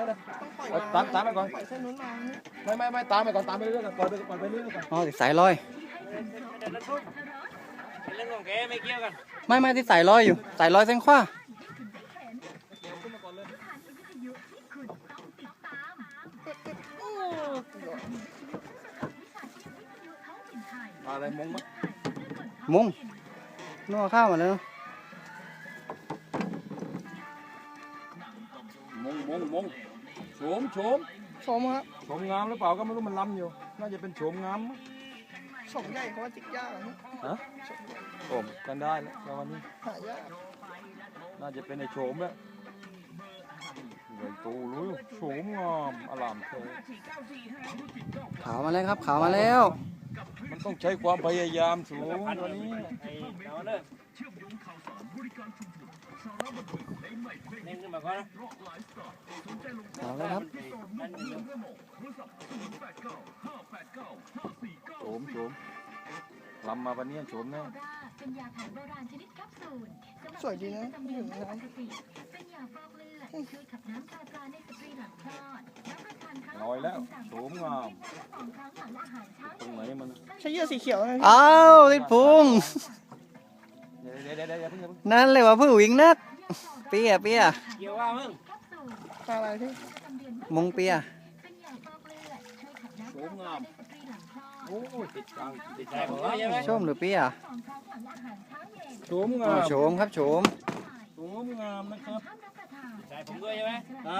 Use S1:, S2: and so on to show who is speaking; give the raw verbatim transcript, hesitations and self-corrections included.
S1: เลย
S2: ต้องปล่อย
S1: ตามตามไปก่อน
S2: ปล่อยเส้นนู้นมา
S1: ไม่ไม่ไม่ตามไปก่อนตามไปเรื่อยๆก่อนปล่อยไปปล่อยไปเรื่อยๆก่อน
S3: อ๋อติดสายลอย
S4: เรื่องของแกไม่เกี่ยวกัน
S3: ไม่ไม่ติดสายลอยอยู่สายลอยเส้นขวา
S1: อะไรมงมั้ย
S3: มุงนัวข้าวมาแล้ว
S1: มงมงมงโฉมโฉม
S2: ชมครับ
S1: โฉมงามหรือเปล่าก็ไม่รู้มันล้ำอยู่น่าจะเป็นโฉมงามมั้ง
S2: ชมใหญ่เพราะว่าจิกยากอะ
S1: ฮะโฉมกันได้แล้วแต่วันนี้
S2: หายาก
S1: น่าจะเป็นไอ้โฉมแล้วใหญ่โตรู้โฉมงามอลามเท
S3: ขาวมาแล้วครับขาวมาแล้ว
S1: มันต้องใช้ความพยายามสูงกว่านี้
S4: ไอ้ดาวเนี่ยเน่งขึ้นมาก่อนนะ
S3: ขาวแล้วครับ
S1: โฉมโฉมลำมาวันนี้โฉมแน่
S5: เป็นยาแผนโบราณชนิดแคปซูล
S2: สวยดีนะอยู่ในน้
S5: เป็นยาฟอกเลือดช่วยขับน้ำคาปลาในสตรีหลังคลอดรับประทานครั้ง
S1: น้อยแล้วโฉมงาม
S5: สองครั้งหลังอาหารเช้า
S1: ตรงไหนมัน
S2: ำใช้เหยื่อสีเขียวนะพี่
S3: อ้าวติดพุง
S1: เดี๋ยวเดี๋ยวเดี๋ยวเดี๋ยวเพิ่งอย่าเพิ่ง
S3: นั่นเลยว่าผู้วิ่งนักเปียเปีย
S4: เกี่ยวว่ามึง
S5: แคปซูล
S2: อะไรพี่
S3: มงเปีย
S5: เป็นยาฟอกเลือดช่วยขับน้ำ
S1: โฉ
S5: คาม ปลาง
S1: าม
S5: ในสตรีหลังคลอด
S1: โอ้ยติดกลางติด
S4: ใช่
S1: ใจ
S4: ผ
S1: ผม ม
S4: ก็
S1: ว่า
S4: ใช่ไหม
S3: ชมหรือเปีย
S5: สองครั้งหลังอาหารเช้าเย็น
S1: โฉม
S3: อ๋
S1: งา
S3: อ
S1: ม
S3: โฉมครับโฉม
S1: โฉมงามนะครับ
S5: ห้ามรับประทาน
S4: ใช่ผมด้วยใช่ไหม